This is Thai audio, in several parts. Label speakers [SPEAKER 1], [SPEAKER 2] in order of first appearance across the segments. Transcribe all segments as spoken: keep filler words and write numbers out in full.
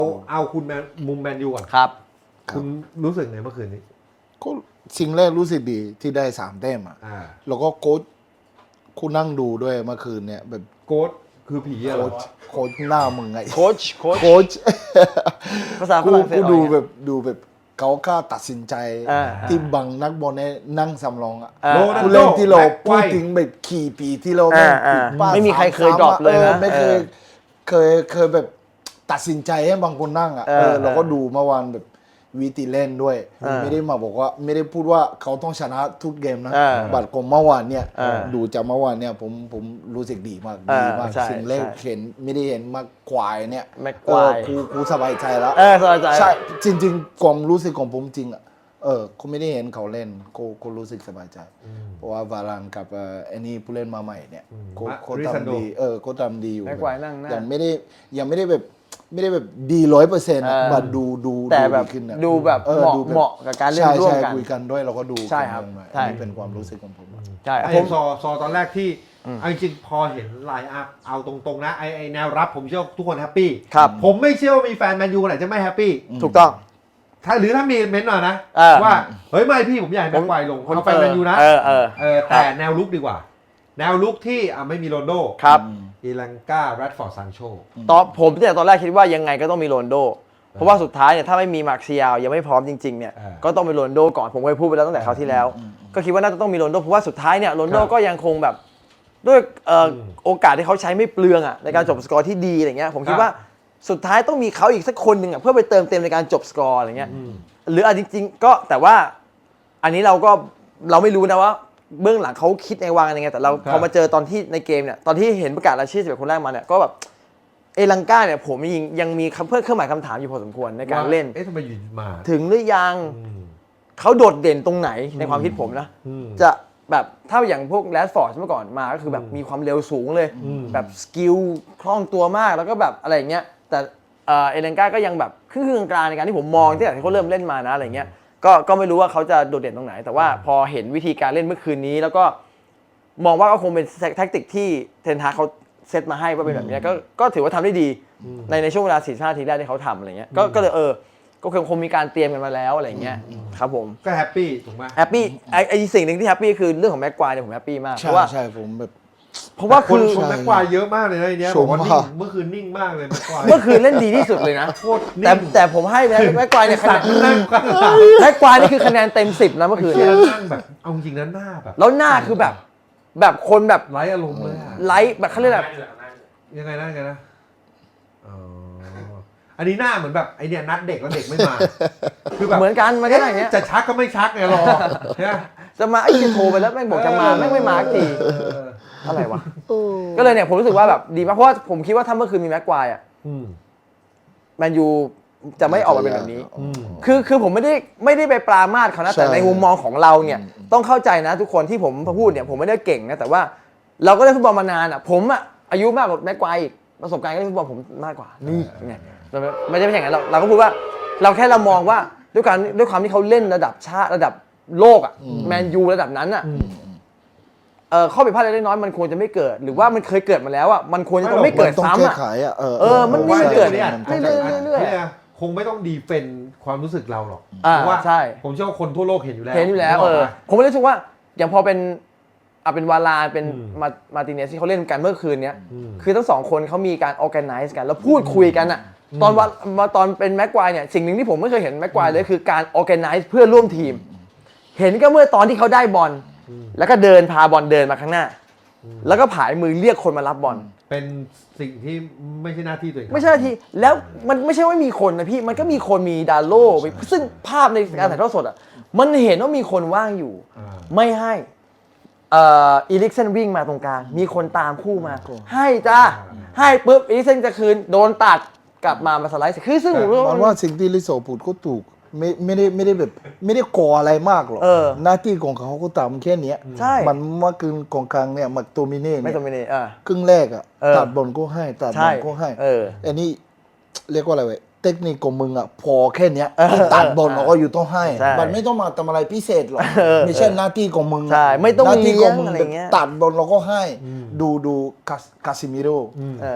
[SPEAKER 1] เอาเอาคุณแมนมุมแมนยูก่อน
[SPEAKER 2] ครับ
[SPEAKER 1] คุณรู้สึกไงเมื่อคืนนี้
[SPEAKER 3] ก็สิ่งแรกรู้สึกดีที่ได้สามแต้มอ่ะ
[SPEAKER 1] อ่า
[SPEAKER 3] แล้วก็โค้ชคุณนั่งดูด้วยเมื่อคืนเนี่ยแบบ
[SPEAKER 1] โค้ชคือผีอะเหร
[SPEAKER 3] โค้
[SPEAKER 1] อ
[SPEAKER 3] ชโค้ชหน้ามึงไง
[SPEAKER 2] โค้ชโค้ช
[SPEAKER 3] โค้ช
[SPEAKER 2] ภาษาฝ
[SPEAKER 3] กู
[SPEAKER 2] รั่งเศส
[SPEAKER 3] กูดู
[SPEAKER 2] อะไรเงี้ย
[SPEAKER 3] แบบดูแบบเขากล้าตัดสินใจ
[SPEAKER 2] อ่า
[SPEAKER 3] ที่บังนักบอลเนี่ยนั่งสำรองอ่ะ
[SPEAKER 2] อ่า
[SPEAKER 1] โรนัล
[SPEAKER 3] ผู้
[SPEAKER 1] โด
[SPEAKER 3] เล่นที่เรา
[SPEAKER 1] แม็กไกว
[SPEAKER 3] พูด
[SPEAKER 1] ร์
[SPEAKER 3] ถึงแบบขี่ปีที่เรา
[SPEAKER 2] อ่า
[SPEAKER 3] แม่ง
[SPEAKER 2] อ่า
[SPEAKER 3] ผิดพลาด
[SPEAKER 2] ไม่มีใครเคย
[SPEAKER 3] สา
[SPEAKER 2] ดรอปเลยนะ
[SPEAKER 3] ออไม่เคย
[SPEAKER 2] เออ
[SPEAKER 3] เคยเคยแบบตัดสินใจให้บางคนนั่งอ่ะ
[SPEAKER 2] เออ
[SPEAKER 3] เออเราก็ดูเมื่อวานแบบวิธีเล่นด้วย
[SPEAKER 2] เออ
[SPEAKER 3] ไม่ได้มาบอกว่าไม่ได้พูดว่าเขาต้องชนะทุกเกมนะ
[SPEAKER 2] เออ
[SPEAKER 3] บัตรของเมื่อวานเนี่ย
[SPEAKER 2] เออ
[SPEAKER 3] ดูจากเมื่อวานเนี่ยผมผมรู้สึกดีมาก
[SPEAKER 2] เออ
[SPEAKER 3] ดีมาก
[SPEAKER 2] ใช่
[SPEAKER 3] สิ่งแรก
[SPEAKER 2] ใช่
[SPEAKER 3] เห็นไม่ได้เห็นมากกวายเนี่ย
[SPEAKER 2] แม็ก
[SPEAKER 3] เอ
[SPEAKER 2] ควา
[SPEAKER 3] อย กูกูสบายใจแล้ว
[SPEAKER 2] เออสบายใจ
[SPEAKER 3] ใช่จริงๆความรู้สึกของผมจริงอ่ะเออกูไม่ได้เห็นเขาเล่นกูกูรู้สึกสบายใจ เพราะว่าวารานกับเอ่อไอ้นี่ผู้เล่นมาใหม่เนี่ยเขา
[SPEAKER 1] มา
[SPEAKER 3] เขา
[SPEAKER 1] ริซันโด
[SPEAKER 3] ทำดีเออเขาทำดีอยู่
[SPEAKER 2] แม็กควายนั่งหน้ายั
[SPEAKER 3] ยังไม่ได้ยังไม่ได้แบบไม่ได้แบบดีร้อยเปอร์เซ็นต์
[SPEAKER 2] เออ
[SPEAKER 3] บัดดูดู
[SPEAKER 2] แต่แบบ
[SPEAKER 3] ดีขึ้นอะ
[SPEAKER 2] ดูแบบ
[SPEAKER 3] ออ
[SPEAKER 2] เหมาะ
[SPEAKER 3] ดูแบบ
[SPEAKER 2] เหมาะกับการเล่น
[SPEAKER 3] ใช่
[SPEAKER 2] ร่วม
[SPEAKER 3] ใช่
[SPEAKER 2] กัน
[SPEAKER 3] คุยกันด้วยเราก็ดู
[SPEAKER 2] ใช่ครับ
[SPEAKER 3] กันหน่อย
[SPEAKER 2] ใช่
[SPEAKER 3] อันนี่เป็นความรู้สึกของผมอะ
[SPEAKER 2] ใช่
[SPEAKER 1] ไอ้
[SPEAKER 2] ผม
[SPEAKER 1] ซอซอตอนแรกที่เอาจริงๆพอเห็นไลน์อัพเอาตรงๆนะไอไอแนวรับผมเชื่อว่าทุกคนแฮปปี้
[SPEAKER 2] ครับ
[SPEAKER 1] ผมไม่เชื่อว่ามีแฟนแมนยูคนไหนจะไม่แฮปปี้
[SPEAKER 2] ถูกต้อง
[SPEAKER 1] ถ้าหรือถ้ามีเม้นต์หน่อยนะ
[SPEAKER 2] เออ
[SPEAKER 1] ว่าเฮ้ยไม่พี่ผมอยากให้แม็กไกวร์ลงเอาแฟนแมนยูนะ
[SPEAKER 2] เออเออ
[SPEAKER 1] เออแต่แนวลุกดีกว่า แนวลุกที่อ่ะไม่มีโรนลโด
[SPEAKER 2] ครับ
[SPEAKER 1] อีลังกาแรดฟอร์ดซานโช
[SPEAKER 2] ตอนผมเนี่ยตอนแรกคิดว่ายังไงก็ต้องมีโรนลโด เพราะว่าสุดท้ายเนี่ยถ้าไม่มีมาร์คเซียลยังไม่พร้อมจริงๆเนี่ย
[SPEAKER 1] เออ
[SPEAKER 2] ก็ต้องมีโรนลโดก่อนผมเคยพูดไปแล้วตั้งแต่คราวที่แล้ว ก็คิดว่าน่าจะต้องมีโรนลโดเพราะว่าสุดท้ายเนี่ยโรนลโด
[SPEAKER 1] ครับ
[SPEAKER 2] ก็ยังคงแบบด้วยเอ่ออ
[SPEAKER 1] ม
[SPEAKER 2] โอกาสที่เขาใช้ไม่เปลืองอ่ะในการจบสกอร์ที่ดีอะไรเงี้ยผมคิด
[SPEAKER 1] ครับ
[SPEAKER 2] ว่าสุดท้ายต้องมีเขาอีกสักคนหนึ่งอ่ะเพื่อไปเติมเต็มในการจบสกอร์อะไรเงี้ย
[SPEAKER 1] อืม
[SPEAKER 2] หรืออ่ะจริงๆก็แต่ว่าอันนี้เราก็เราไม่รู้นะว่าเบื้องหลังเขาคิดในวางยังไงแต่เรา
[SPEAKER 1] ครับ
[SPEAKER 2] พอมาเจอตอนที่ในเกมเนี่ยตอนที่เห็นประกาศรายชื่อสิบเอ็ดคนแรกมาเนี่ยก็แบบเอลังกาเนี่ยผมยังยังมีคำเพื่อเครื่องหมายคำถามอยู่พอสมควรในการเล่น
[SPEAKER 1] เอ๊ะทำไมอยู่มา
[SPEAKER 2] ถึงหรือยัง
[SPEAKER 1] อืม
[SPEAKER 2] เขาโดดเด่นตรงไหนในความคิดผมนะ
[SPEAKER 1] อืม
[SPEAKER 2] จะแบบถ้าอย่างพวกแรดฟอร์ดเมื่อก่อนมาก็คือแบบมีความเร็วสูงเลย
[SPEAKER 1] อืม
[SPEAKER 2] แบบสกิลคล่องตัวมากแล้วก็แบบอะไรอย่างเงี้ยแต่เอ่อเอเลนกาก็ยังแบบครึ่งๆกลางๆในการที่ผมมองตั้งแต่ที่เขาเริ่มเล่นมานะอะไรเงี้ยก็ก็ไม่รู้ว่าเขาจะโดดเด่นตรงไหน แต่ว่าพอเห็นวิธีการเล่นเมื่อคืนนี้ แล้วก็มองว่าก็คงเป็นแท็กติกที่เทนฮากเขาเซตมาให้ว่าเป็นแบบเนี้ยก็ก็ถือว่าทำได้ดีในในช่วงเวลาสี่สิบห้านาทีแรกที่เขาทำอะไรเงี้ยก็ก็เลยเออก็คงคงมีการเตรียมกันมาแล้วอะไรเงี้ยครับผม
[SPEAKER 1] ก็แฮปปี้ถูกไหม
[SPEAKER 2] แฮปปี้ไอไอสิ่งหนึ่งที่แฮปปี้คือเรื่องของแม็กควายเนี่ยผมแฮปปี้มากเพ
[SPEAKER 3] ใช่
[SPEAKER 2] ราะว่า
[SPEAKER 3] ใช่ผมแบบ
[SPEAKER 2] เพราะว่า
[SPEAKER 1] ค
[SPEAKER 2] คื
[SPEAKER 1] น
[SPEAKER 2] อ
[SPEAKER 1] ชมแม็กควายเยอะมากเลยนะไอ้เนี้ย
[SPEAKER 3] ช
[SPEAKER 1] บอ
[SPEAKER 3] ม
[SPEAKER 1] กว่านิ่
[SPEAKER 3] มาง ก
[SPEAKER 1] เมื่อคืนนิ่งมากเลยแม็กควาย
[SPEAKER 2] เมื่อคืนเล่นดีที่สุดเลยนะ
[SPEAKER 1] โคตรนิ่ง
[SPEAKER 2] แต่แต่ผมให้แม็กแม็กควายเนี่ยคะ
[SPEAKER 1] สั
[SPEAKER 2] แน
[SPEAKER 1] ต
[SPEAKER 2] น
[SPEAKER 1] ว์นั่งกันหลัง
[SPEAKER 2] แม็กควายนี่คือคะแนนเต็มสิบนะเมื่อคืน
[SPEAKER 1] เชี
[SPEAKER 2] เนี่ย ย
[SPEAKER 1] นั่งแบบเอาจริงนั้นหน้าแบบ
[SPEAKER 2] แล้วหน้าคือแบบแบบคนแบบ
[SPEAKER 1] ไร้อารมณ์เลยอะ
[SPEAKER 2] ไลท์แบบเขาเรียกแบบ
[SPEAKER 1] ยังไงนะยังไงนะอ๋ออันนี้หน้าเหมือนแบบไอเนี่ยนัดเด็กแล้วเด็กไม่มาคือแบบ
[SPEAKER 2] เหมือนกันมันก็อย่างเงี้ย
[SPEAKER 1] จะชักก็ไม่ชักไงรอใช่ไหม
[SPEAKER 2] จะมาไอ้ที่โทรไปแล้วแม่งบอกจะมาแม่งไม่มาสักที
[SPEAKER 1] เออ
[SPEAKER 2] อะไรวะก็เลยเนี่ยผมรู้สึกว่าแบบดีมากเพราะว่าผมคิดว่าถ้าเมื่อคืนมีแม็กควายอ่ะ
[SPEAKER 1] อืม
[SPEAKER 2] แมนยูจะไม่ออกมาเป็นแบบนี้
[SPEAKER 1] อืม
[SPEAKER 2] คือคือผมไม่ได้ไม่ได้ไปปรามาสเขานะ
[SPEAKER 3] ใช่
[SPEAKER 2] แต่ในมุมมองของเราเนี่ยต้องเข้าใจนะทุกคนที่ผมพูดเนี่ยผมไม่ได้เก่งนะแต่ว่าเราก็เล่นฟุตบอลมานานอ่ะผมอ่ะอายุมากกว่าแม็กควายอีกประสบการณ์การเล่นฟุตบอลผมมากกว่านี่ไงเราไม่ใช่ไม่ใช่อย่างนั้นเราเราก็พูดว่าเราแค่เรามองว่าด้วยการด้วยความที่เขาเล่นระดับชาติระดับโลกอ่ะแมนยูระดับนั้นอ่ะเออข้อผิดพลาดเล็กน้อยมันควรจะไม่เกิดหรือว่ามันเคยเกิดมาแล้วอ่ะมันควรจะต้องไม่เกิด
[SPEAKER 3] ต้อง
[SPEAKER 2] ซ้ำ
[SPEAKER 3] แก้
[SPEAKER 2] อ่ะ
[SPEAKER 3] ไขอ่ะเออ
[SPEAKER 2] เออมัน
[SPEAKER 1] ว่า
[SPEAKER 2] ไม่เกิด
[SPEAKER 1] เนี่ย
[SPEAKER 2] เรื่อยๆเรื่อยๆ
[SPEAKER 1] นี่คงไม่ต้องดีเฟนความรู้สึกเราหรอก
[SPEAKER 2] อ่า
[SPEAKER 1] เพราะว่า
[SPEAKER 2] ใช่
[SPEAKER 1] ผมเชื่อว่าคนทั่วโลกเห็นอยู่แล้ว
[SPEAKER 2] เห็นอยู่แล้วเออผมก็เลยรู้สึกว่าอย่างพอเป็นอ่ะเป็นวาลาเป็น
[SPEAKER 1] อืม
[SPEAKER 2] มามาร์ติเนสที่เขาเล่นกันเมื่อคืนเนี้ย
[SPEAKER 1] อืม
[SPEAKER 2] คือทั้งสองคนเขามีการออแกไนซ์กันแล้วพูดคุยกันอ่ะตอนวันมาตอนเป็นแม็กควายเนี่ยสิ่งหนึ่งที่ผมไม่เคยเห็นแม็กควายเลยคือการออแกไนซ์เพื่อร่วมทีม เห็นก็เมื่อตอนที่เขาได้บอลแล้วก็เดินพาบอลเดินมาข้างหน้า แล้วก็ผายมือเรียกคนมารับบอล
[SPEAKER 1] เป็นสิ่งที่ไม่ใช่หน้าที่ตัวเอง
[SPEAKER 2] ไม่ใช่ทีแล้วมันไม่ใช่ว่ามีคนนะพี่มันก็มีคนมีดาโล่ซึ่งภาพในการถ่ายทอดสดอ่ะมันเห็นว่ามีคนว่างอยู่
[SPEAKER 1] อ่า
[SPEAKER 2] ไม่ให้เอ่ออีลิกเซนวิ่งมาตรงกลางมีคนตามคู่มา ให้จ้าให้ปุ๊บอีลิกเซนจะคืนโดนตัดกลับมามาสไลด์คือซึ่งผม
[SPEAKER 3] มันว่าสิ่งที่ลิโซพูดก็ถูกไม่ไม่ได้ไม่ได้แบบไม่ได้ก่ออะไรมากหรอก
[SPEAKER 2] เออ
[SPEAKER 3] หน้าที่ของเขาก็ตามแค่เนี้ย
[SPEAKER 2] ใช่
[SPEAKER 3] มันเมื่อคืนของครั้งเนี่ยมักโตมิเน่
[SPEAKER 2] ไม่
[SPEAKER 3] เนี่ย
[SPEAKER 2] ตรงนี้อ่ะ
[SPEAKER 3] ครึ่งแรกอ่ะ
[SPEAKER 2] เออ
[SPEAKER 3] ตัดบอลก็ให้ตัดบ
[SPEAKER 2] ใช่
[SPEAKER 3] อลก็ให้
[SPEAKER 2] เออ
[SPEAKER 3] อันนี้เรียกว่าอะไรเว้ยเทคนิคของมึงอ่ะพอแค่เนี้ย
[SPEAKER 2] เออ
[SPEAKER 3] ที่ตัดบอล
[SPEAKER 2] เออ
[SPEAKER 3] เราก็อยู่ต้องให้
[SPEAKER 2] ใช่
[SPEAKER 3] มันไม่ต้องมาทำอะไรพิเศษหรอก
[SPEAKER 2] เออ
[SPEAKER 3] ไม่ใช่หน้าที่ของมึงอะ
[SPEAKER 2] ใช่ไม่ต้อง
[SPEAKER 3] หน้าที่ของมึง
[SPEAKER 2] เลี้ยงอะไร
[SPEAKER 3] แบบ
[SPEAKER 2] เงี้ย
[SPEAKER 3] ตัดบอลเราก็ให้ ดูดูคาสคาซิมิโร่
[SPEAKER 2] เออ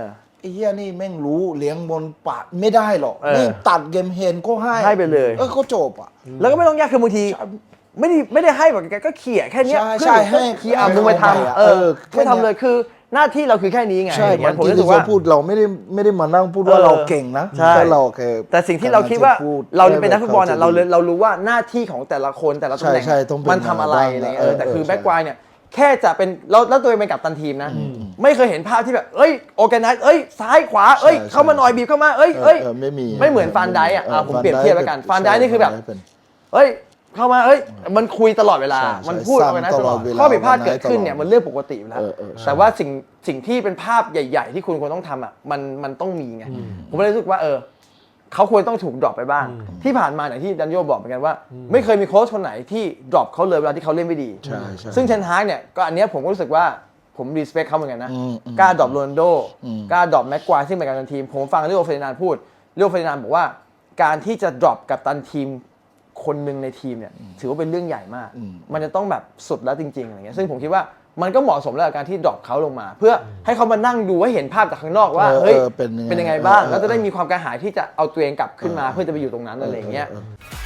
[SPEAKER 3] อ้เหี้ยนี่แม่งรู้เลี้ยงบนปาดไม่ได้หรอก
[SPEAKER 2] เออ
[SPEAKER 3] นี่ตัดเกมเฮนก็ให้
[SPEAKER 2] ให้ไปเลย
[SPEAKER 3] เออก็จบอ่ะ
[SPEAKER 2] แล้วก็ไม่ต้องยากคือบางทีไม่ได้ไม่ได้ให้แบบแกก็เขี่ยแค่เนี้ย
[SPEAKER 3] ใช่
[SPEAKER 2] เพื่อน
[SPEAKER 3] ใช่ให้
[SPEAKER 2] เขี่ยอ่ะ
[SPEAKER 3] ให้
[SPEAKER 2] มึงไป
[SPEAKER 3] เขาไปอ่ะ
[SPEAKER 2] ทำเออ
[SPEAKER 3] เออแค่
[SPEAKER 2] ไม่ทำ
[SPEAKER 3] เนี้ย
[SPEAKER 2] เลยคือหน้าที่เราคือแค่นี้ไง
[SPEAKER 3] ใช่
[SPEAKER 2] อย่าง
[SPEAKER 3] บา
[SPEAKER 2] เงี้ย
[SPEAKER 3] ง
[SPEAKER 2] ผม
[SPEAKER 3] ที
[SPEAKER 2] รู้สึ
[SPEAKER 3] ที่
[SPEAKER 2] กว่า
[SPEAKER 3] เราพูดเราไม่ได้ไม่ได้มานั่งพูดว่า
[SPEAKER 2] เออ
[SPEAKER 3] เราเก่งนะ
[SPEAKER 2] ใช่
[SPEAKER 3] แต่เราแค่
[SPEAKER 2] แต่สิ่งที่เราคิดว่า
[SPEAKER 3] กำลังจะพูด
[SPEAKER 2] เราเป็นนักฟุตบอลอ่ะ
[SPEAKER 3] ให้
[SPEAKER 2] เรา
[SPEAKER 3] แบบ
[SPEAKER 2] เลยเรารู้ว่าหน้าที่ของแต่ละคนแต่ละตำแหน่ง
[SPEAKER 3] ใช่ใช่ต้องเป็น
[SPEAKER 2] มันทำอะไร
[SPEAKER 3] บ้าง
[SPEAKER 2] อะไรเงี้ย
[SPEAKER 3] เอ
[SPEAKER 2] เอ
[SPEAKER 3] อ
[SPEAKER 2] อแต่คือ
[SPEAKER 3] เออ
[SPEAKER 2] แบ็กไกรเนี่ยแค่จะเป็นเราแล้วตัวเองเป็นกัปตันทีมนะ ไม่เคยเห็นภาพที่แบบเอ้ยโอแกไนซ์เอ้ยซ้ายขวาเอ้ย
[SPEAKER 3] ใช่
[SPEAKER 2] เข้ามาหน่อยบีบเข้ามาเอ้ยเอ้ย
[SPEAKER 3] เออไม่มี
[SPEAKER 2] ไม่เหมือนฟานไดค์อ่ะอ่ะผมเปรียบเทียบแล้วกัน
[SPEAKER 3] ป็
[SPEAKER 2] ฟานไดค์นี่คือแบบ
[SPEAKER 3] ใช่เป็น
[SPEAKER 2] เอ้ยเข้ามาเอ้ยมันคุยตลอดเวลา
[SPEAKER 3] ใช่ใช่
[SPEAKER 2] มันพูด
[SPEAKER 3] ซ้ำ
[SPEAKER 2] เอาไว้นะตลอด
[SPEAKER 3] ตลอดเวลา
[SPEAKER 2] ข้อผิดพลาดเกิดขึ้น
[SPEAKER 3] ตลอด
[SPEAKER 2] เนี่ยมันเรื่องปกติอยู่แล้ว
[SPEAKER 3] เออเออใช่
[SPEAKER 2] แต่ว่าสิ่งสิ่งที่เป็นภาพใหญ่ ๆ ที่คุณควรต้องทำอ่ะมันมันต้องมีไงผมเลยรู้สึกว่าเออเขาควรต้องถูกดรอปไปบ้าง ที่ผ่านมาอย่างที่ดันโยบอกเหมือนกันว่า ไม่เคยมีโค้ชคนไหนที่ดรอปเขาเลยเวลาที่เขาเล่นไม่ดี
[SPEAKER 3] ใช่ใช่
[SPEAKER 2] ซึ่งเทนฮากเนี่ยก็อันเนี้ยผมก็รู้สึกว่าผมรีสเปคเขาเหมือนกันนะ
[SPEAKER 3] อืมอืม
[SPEAKER 2] กล้าดรอปโรนัลโด
[SPEAKER 3] อืม
[SPEAKER 2] กล้าดรอปแม็กควายซึ่งเป็นกัปตันทีม ผมฟังเรีโอเฟรนันด์พูดเรีโอเฟรนันด์บอกว่าการที่จะดรอปกัปตันทีมคนหนึ่งในทีมเนี่ยถือว่าเป็นเรื่องใหญ่มาก มันจะต้องแบบสุดแล้วจริงๆอะไรเงี้ยซึ่งผมคิดว่ามันก็เหมาะสมแล้วกับการที่ดรอปเขาลงมา เพื่อให้เขามานั่งดูให้เห็นภาพจากข้างนอกว่า
[SPEAKER 3] เออ
[SPEAKER 2] เฮ้ย
[SPEAKER 3] เออเป็นยังไง
[SPEAKER 2] เป็นยังไงบ้าง
[SPEAKER 3] เออ
[SPEAKER 2] แล้วจะได้มีความกระหายที่จะเอาตัวเองกลับขึ้นมาเพื่อจะไปอยู่ตรงนั้นอะไรอย่างเงี้ย
[SPEAKER 3] เออเออ